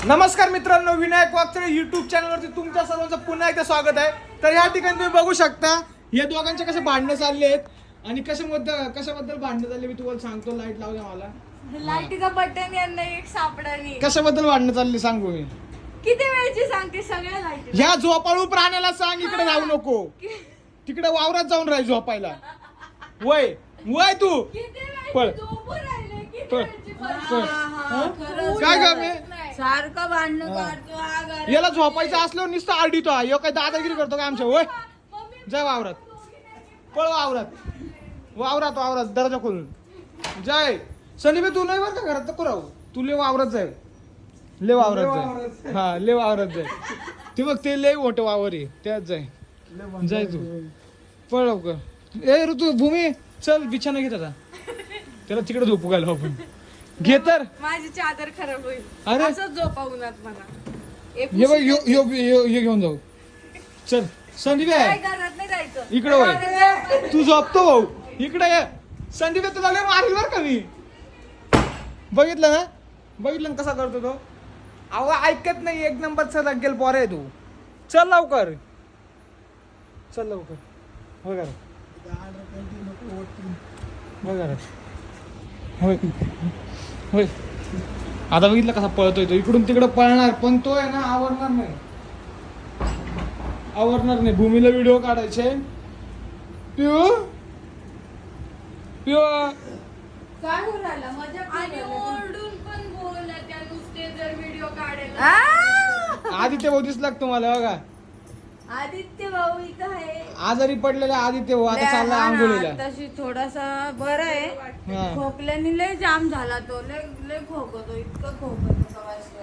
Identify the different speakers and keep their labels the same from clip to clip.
Speaker 1: नमस्कार मित्रांनो, विनायक वागचरे युट्यूब चॅनलवरती तुमच्या सर्वांचं पुन्हा एकदा स्वागत आहे. तर या ठिकाणी तुम्ही बघू शकता या दोघांचे कसे भांडणं चालले आहेत आणि कशाबद्दल भांडणं चालले मी तुम्हाला सांगतो. लाईट लावू द्या मला.
Speaker 2: लाईटीचा बटन यांना एक सापडा
Speaker 1: कशाबद्दल भांडणं चालली सांगू मी.
Speaker 2: किती वेळची सांगते सगळ्या लाईटी.
Speaker 1: ह्या झोपाळू प्राण्याला सांग इकडे जाऊ नको, तिकडे वावरात जाऊन राह झोपायला. वय वय तू पळ पळ काय ग मी
Speaker 2: सारखं भांडण काढतो.
Speaker 1: याला झोपायचं असलं नुसतं आरडीतो. ह्यो काय दादागिरी करतो काय आमच्या. वय जय वावरात, पळ वावरात दरवाजा खोलून जय. सनी तू नाही बरं का घरात नको राहू, तू ले वावरात जाय, ले वावरात जाय. ते बघ ते लय मोठं वावर आहे त्यात जाय तू पळ लवकर. ए ऋतू भूमी चल बिछाना घेत आता, त्याला तिकडे झोपू घालू आपण. घे तर
Speaker 2: माझी चादर खराब होईल.
Speaker 1: अरे
Speaker 2: असंच झोपावून मला
Speaker 1: ये बघ ये घेऊन जाऊ. चल संदीप आहे
Speaker 2: घरात नाही जायचं.
Speaker 1: इकडे वय, तू झोपतो भाऊ इकडे ये. संदीप तुला लय मारेल बर का मी. बघितलं ना कसा करतो तो. अहो ऐकत नाही, एक नंबरचा लागेल पोर आहे तू. चल लवकर वगैरे होय. आता बघितलं कसा पळतोय तो, इकडून तिकडं पळणार पण तो आहे ना आवरणार नाही. भूमीला व्हिडिओ काढायचे. पिऊ
Speaker 2: काय बोलायला मजा आणि ओरडून पण बोलला त्या नुसते जर व्हिडिओ काढायला.
Speaker 1: आदित्य भाऊ दिसला का तुम्हाला बघा.
Speaker 2: आदित्य भाऊ इथं आहे.
Speaker 1: आजारी पडलेला आदित्य भाऊ आता चालला आंघोळीला.
Speaker 2: तशी थोडासा बरं आहे.
Speaker 1: हा.
Speaker 2: खोकल्याने लय जाम झाला तो. लय खोकतो, इतकं खोकतो.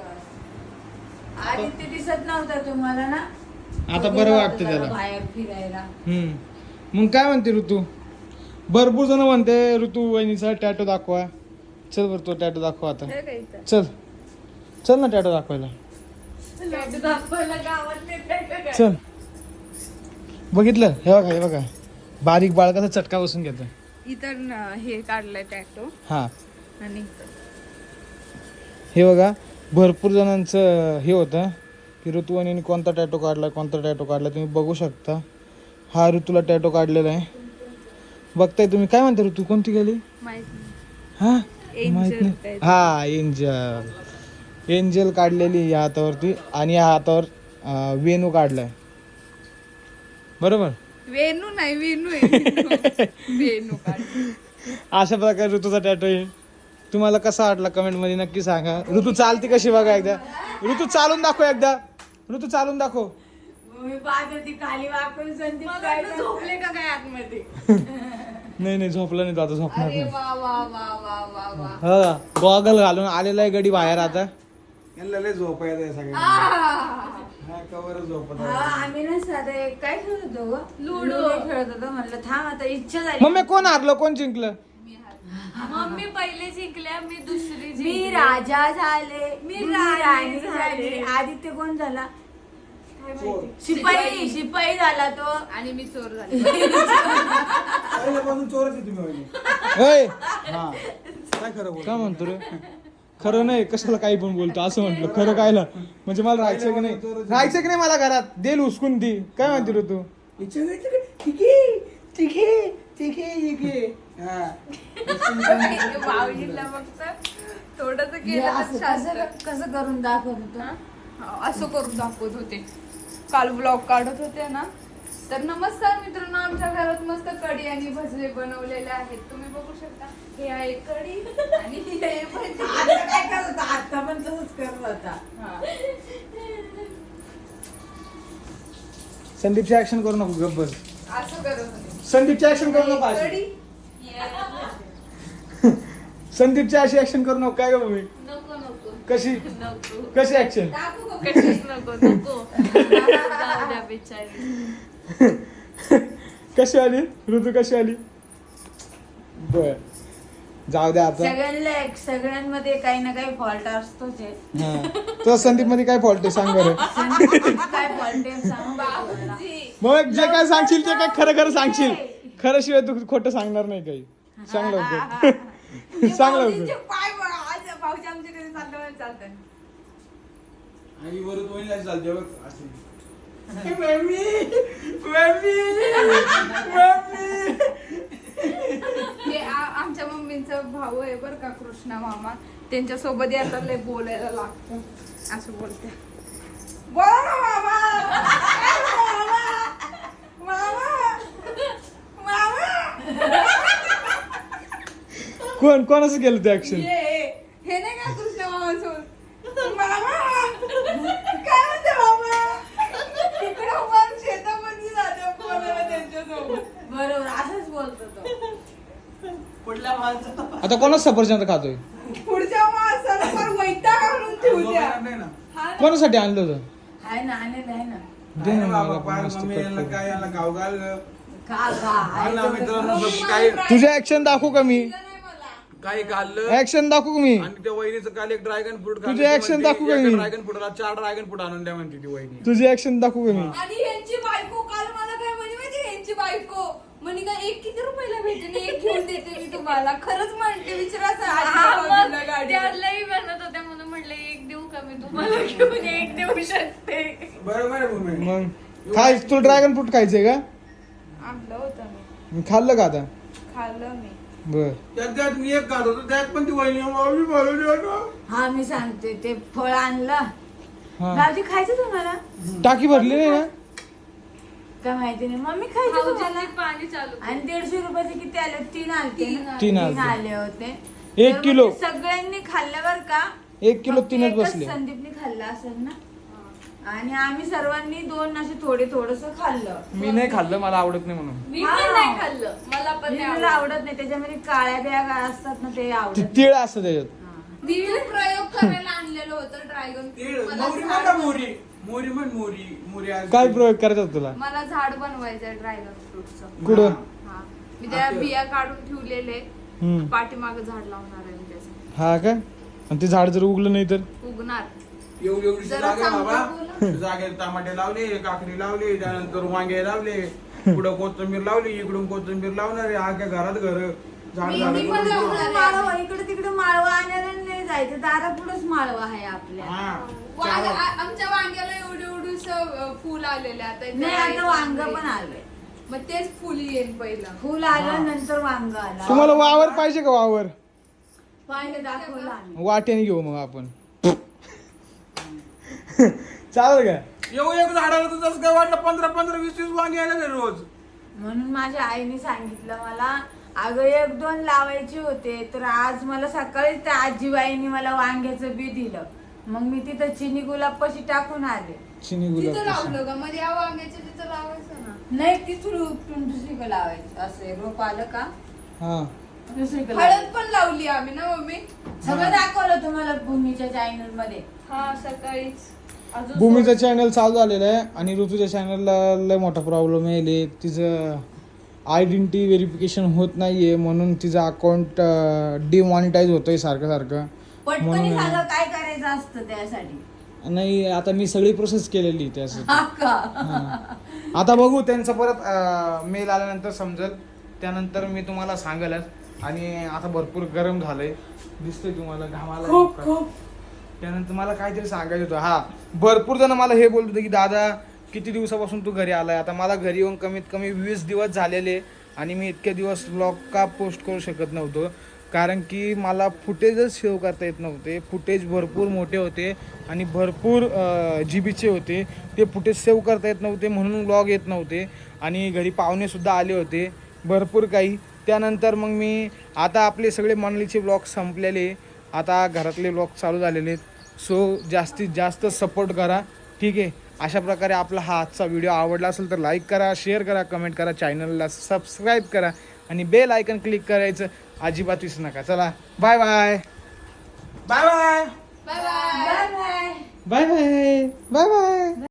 Speaker 2: आदित्य दिसत नव्हता तुम्हाला ना.
Speaker 1: आता बरं वाटतं त्याला
Speaker 2: बाहेर फिरायला.
Speaker 1: मग काय म्हणते ऋतू. भरपूर जण म्हणते ऋतू वहिनीचा टॅटो दाखवा. चल बरं तो टॅटो दाखवा आता. चल ना टॅटो दाखवायला. चल बघितलं हे बघा बारीक बाळ कसं चटका बसून घेत.
Speaker 2: इतर हे काढलंय टॅटो.
Speaker 1: हा
Speaker 2: आणि
Speaker 1: हे बघा भरपूर जणांचं हे होतं की ऋतू वहिनीने कोणता टॅटो काढला तुम्ही बघू शकता. हा ऋतूला टॅटो काढलेला आहे बघताय तुम्ही. काय म्हणता ऋतू कोणती गेली. हा माहित नाही. हा एंजल काढलेली या हातावरती आणि या हातावर वेणू काढलाय बरोबर.
Speaker 2: वेणू नाही वेणू आहे. वेणू
Speaker 1: अशा प्रकारे ऋतूचा टॅटो आहे. तुम्हाला कसा वाटला कमेंट मध्ये नक्की सांगा. ऋतू चालते कशी बघा एकदा. ऋतू चालून दाखव एकदा. ऋतू चालून दाखव.
Speaker 2: मी पाहत होती खाली वाकून. संदीप काय झोपले का काय आतमध्ये.
Speaker 1: नाही झोपला नाही तो आता झोपणार
Speaker 2: अरे
Speaker 1: नाही.
Speaker 2: वा वा वा वा वा वा.
Speaker 1: हा गॉगल घालून आलेला आहे गडी बाहेर आता.
Speaker 2: झोप आम्ही ना साधं एक काय खेळत होतो लुडो खेळत होतो. म्हणलं थांब आता इच्छा झाली.
Speaker 1: मम्मी कोण हारलं कोण जिंकलं.
Speaker 2: मम्मी पहिले जिंकल्या, मी दुसरी. मी राजा झाले, मी राणी झाले. आदित्य कोण झाला. शिपाई झाला तो. आणि मी चोर झाले.
Speaker 1: काय म्हणतो रे. खरं नाही कशाला काही पण बोलतो असं म्हटलं. खरं कायला म्हणजे मला राहायचं की नाही मला घरात देईल उचकून ती. काय म्हणते रे तू.
Speaker 2: भाऊजीला फक्त थोडस केलं. कसं करून दाखवत होतो. असं करून दाखवत होते. काल ब्लॉग काढत होते ना. तर नमस्कार मित्रांनो, आमच्या घरात मस्त कढी आणि भजे बनवलेले आहेत. तुम्ही बघू शकता. हे आहे कढी आणि हे आहे भजी. काय करत होता आता पण तसंच करत होता.
Speaker 1: संदीपची ऍक्शन करू नको गब्बर.
Speaker 2: असं करत होते.
Speaker 1: संदीपची ऍक्शन करू नको. संदीपची अशी ऍक्शन करू नको. काय ग मम्मी
Speaker 2: नको
Speaker 1: कशी ऍक्शन. कशी आली ऋतू कशी आली. बर जाऊ द्या आता.
Speaker 2: सगळ्यांमध्ये काही ना काही फॉल्ट असतोच.
Speaker 1: तो संदीप मध्ये काय फॉल्ट आहे सांग बरं.
Speaker 2: काय फॉल्ट आहे सांग.
Speaker 1: मग जे काय सांगशील ते काय खरं सांगशील. खरं शिवाय तू खोटं सांगणार नाही काही. सांग लवकर. सांग लवकर.
Speaker 2: पाय बघा आज भाऊजी आमच्या घरी चालतं.
Speaker 3: आणि वरून वहिनीला चालते बघ अशी.
Speaker 2: हे आमच्या मम्मीचा भाऊ आहे बरं का, कृष्णा मामा. त्यांच्या सोबत याचा लय बोलायला लागतं. असं बोलते, बोला ना मामा. मामा मामा.
Speaker 1: कोणाचं केलं ते ऍक्शन?
Speaker 2: हे नाही का कृष्णा मामा सोबत, मामा काय म्हणते मामा. तिकडे वर शेतामध्ये जाते बोलायला त्यांच्यासोबत.
Speaker 4: बरोबर असंच बोलतो तो.
Speaker 3: कुठल्या माणसाचा
Speaker 1: आता कोणाच सफरचंद खातोय?
Speaker 2: पुढच्या माणसाला फार वैताग आणून ठेवू द्या.
Speaker 3: नाही ना.
Speaker 2: हा ना.
Speaker 1: कोणासाठी आणलं होतं?
Speaker 4: आहे ना आणेल आहे ना.
Speaker 1: दे ना
Speaker 3: बाबा
Speaker 1: मला
Speaker 3: पाय
Speaker 1: पण मस्त
Speaker 3: मम्मी
Speaker 1: कट
Speaker 3: यांना
Speaker 1: करून.
Speaker 3: काय याला गाव घाल
Speaker 4: खा
Speaker 3: आणि
Speaker 4: आहे
Speaker 3: मित्रांनो
Speaker 4: तो.
Speaker 3: सब काय
Speaker 1: तुझे ऍक्शन दाखवू का मी?
Speaker 3: काही खाल्लं
Speaker 1: ऍक्शन दाखवू का मी?
Speaker 3: आणि त्या वहिनीचं काल एक ड्रॅगन फ्रूट
Speaker 1: तुझे action दाखवू का मी?
Speaker 3: ड्रॅगन फ्रूटला 4 ड्रॅगन फ्रूट आणून द्या म्हणते ती वहिनी.
Speaker 1: तुझी ऍक्शन दाखवू का मी?
Speaker 2: आणि यांची बायको काल मला काय म्हणे माहिती, यांची बायको म्हणे का एक किती रुपयाला भेटेल, एक घेऊन देते मी तुम्हाला. खरंच म्हणते, विचारा
Speaker 5: त्यालाही बनत होत्या म्हणून म्हटलं एक देऊ का मी तुम्हाला घेऊन एक देऊ शकते.
Speaker 3: बरोबर आहे भूमी.
Speaker 1: मग खाय तुला ड्रॅगन फ्रूट खायचंय का?
Speaker 2: आणलं होतं मी,
Speaker 1: खाल्लं का आता?
Speaker 2: खाल्लं मी.
Speaker 1: बर
Speaker 3: त्यात मी एक खात होतो त्यात पण ती वहिनी मामी बोलवली होतं.
Speaker 4: हा मी सांगते ते फळ आणलं.
Speaker 1: हा
Speaker 4: भाऊजी खायचं तुम्हाला?
Speaker 1: टाकी भरली नाही ना?
Speaker 4: काय माहिती नाही. मम्मी खायचं तुम्हाला?
Speaker 5: भाऊजींनी पाणी चालू
Speaker 4: आणि 150 रुपयाचे किती आले? 3 आलते ना?
Speaker 1: तीन
Speaker 4: 3
Speaker 1: आलते.
Speaker 4: आले होते.
Speaker 1: 1
Speaker 4: तर
Speaker 1: किलो.
Speaker 4: म्हणजे सगळ्यांनी खाल्ल्यावर का
Speaker 1: 1 किलो
Speaker 4: फक्त
Speaker 1: 3च
Speaker 4: एकच
Speaker 1: बसले.
Speaker 4: संदीपने खाल्लं असेल ना. आणि आम्ही सर्वांनी 2 असे थोडस खाल्लं.
Speaker 1: मी नाही खाल्लं, मला आवडत नाही म्हणून.
Speaker 5: मी पण नाही खाल्लं, मला पण नाही
Speaker 4: मला
Speaker 5: आवडलं.
Speaker 4: आवडत नाही. त्याच्यामध्ये काळ्या बिया काय असतात ना ते
Speaker 1: ती
Speaker 4: आवडत
Speaker 1: तीळ असतं त्याच्यात.
Speaker 2: मी प्रयोग करायला आणलेलं होतं ड्रॅगन
Speaker 3: तीळ,
Speaker 2: फ्रूट. मला
Speaker 3: मोहरी
Speaker 2: झाड
Speaker 3: म्हणा
Speaker 2: बन-
Speaker 3: मोहरी मोहरी म्हण मोहरी मोहरी आज
Speaker 1: काय प्रयोग करायचा तुला?
Speaker 2: मला झाड बनवायचंय ड्रॅगन फ्रूटचं.
Speaker 1: कुठं?
Speaker 2: हा, मी त्या बिया काढून ठेवलेले.
Speaker 1: हम्म.
Speaker 2: पाठीमागं झाड लावणार आहे मी त्याचं.
Speaker 1: हा का? आणि ते झाड जर उगलं नाही तर?
Speaker 2: उगणार.
Speaker 3: एवढी
Speaker 2: जरा
Speaker 3: जागा
Speaker 2: चांगलं
Speaker 3: बाबा
Speaker 2: बोला.
Speaker 3: जागेत टमाटे लावले, काकडी लावली, त्यानंतर वांगे लावले, पुढं कोथिंबीर लावली, इकडून कोथिंबीर लावणार आहे. आख्या घरात घर झाड
Speaker 2: मी
Speaker 3: झाड
Speaker 2: पण लावणार आहे.
Speaker 4: माळवा इकडे तिकडे माळवा आणायला नाही जायचं. दारापुढंच माळवा आहे आपल्या.
Speaker 2: आमच्या वांग्याला एवढं फुल आलेले आता इथे
Speaker 4: नाही आता वांग पण आलंय.
Speaker 2: मग तेच फुल येईल पहिलं.
Speaker 4: फुल आलं नंतर वांग आलं.
Speaker 1: तुम्हाला वावर पाहिजे का? वावर
Speaker 4: पाहिलं दाखवलं आम्ही.
Speaker 1: वाट्याने घेऊ मग आपण. चालेल का?
Speaker 3: येऊ एक झाडाला तर जसं काय वाटलं 15-15, 20-20 वांगे आले रोज.
Speaker 4: म्हणून माझ्या आईने सांगितलं मला, अगं 1-2 लावायचे होते. तर आज मला सकाळीच त्या आजीबाईंनी मला वांग्याचं बी दिलं. मग मी तिथं चिनी गुलाब पशी टाकून आले.
Speaker 1: चिनी
Speaker 2: तिथं
Speaker 1: गुलाब.
Speaker 2: लावलं का? मध्ये या वांग्याच्या तिथं लावायचं ना.
Speaker 4: नाही तिथून उपटून दुसरीकडे लावायचं. असं रोप आलं का
Speaker 1: हा
Speaker 4: दुसरीकडे
Speaker 2: हळद
Speaker 4: लावायचं.
Speaker 2: पण लावली आम्ही ना मम्मी.
Speaker 4: सगळं दाखवलं तुम्हाला भूमीच्या चॅनल मध्ये.
Speaker 5: हा सकाळीच अजून
Speaker 1: भूमीचं चॅनल चालू झालेलं आहे आणि ऋतूच्या चॅनलला लय मोठा प्रॉब्लेम आहे. तिचं आयडेंटिटी व्हेरिफिकेशन होत नाहीये म्हणून तिचं अकाउंट डिमॉनिटाईज होतंय सारखं.
Speaker 4: पटकन
Speaker 1: म्हणून-
Speaker 4: सांगा काय करायचं असतं त्यासाठी.
Speaker 1: नाही आता मी सगळी प्रोसेस केलेली त्यासाठी.
Speaker 4: हा का?
Speaker 1: हा. आता बघू त्यांचं परत मेल आल्यानंतर समजेल, त्यानंतर मी तुम्हाला सांगेलच. आणि आता भरपूर गरम झालंय, दिसतंय तुम्हाला घामाला.
Speaker 4: खूप
Speaker 1: त्यानंतर मला काहीतरी सांगायचं होतं. हा, भरपूर जण मला हे बोलत होते की दादा किती दिवसापासून तू घरी आलाय? आता मला घरी येऊन कमीत कमी 20 दिवस झालेले आणि मी इतके दिवस व्लॉग का पोस्ट करू शकत नव्हतो, कारण की मला फुटेजच सेव्ह करता येत नव्हते. फुटेज भरपूर मोठे होते आणि भरपूर जीबीचे होते. ते फुटेज सेव्ह करता येत नव्हते म्हणून व्लॉग येत नव्हते. आणि घरी पाहुणेसुद्धा आले होते भरपूर काही. त्यानंतर मग मी आता आपले सगळे मंडळीचे व्लॉग संपलेले, आता घरातले व्लॉग चालू झालेले आहेत. सो जास्तीत जास्त सपोर्ट करा, ठीक आहे. अशा प्रकारे आपला हा आजचा व्हिडिओ आवडला असेल तर लाईक करा, शेअर करा, कमेंट करा, चॅनलला सबस्क्राईब करा आणि बेल आयकन क्लिक करायचं अजिबात विसरू नका. चला bye bye
Speaker 3: bye bye.
Speaker 2: Bye bye.
Speaker 4: Bye bye.
Speaker 1: Bye bye bye bye.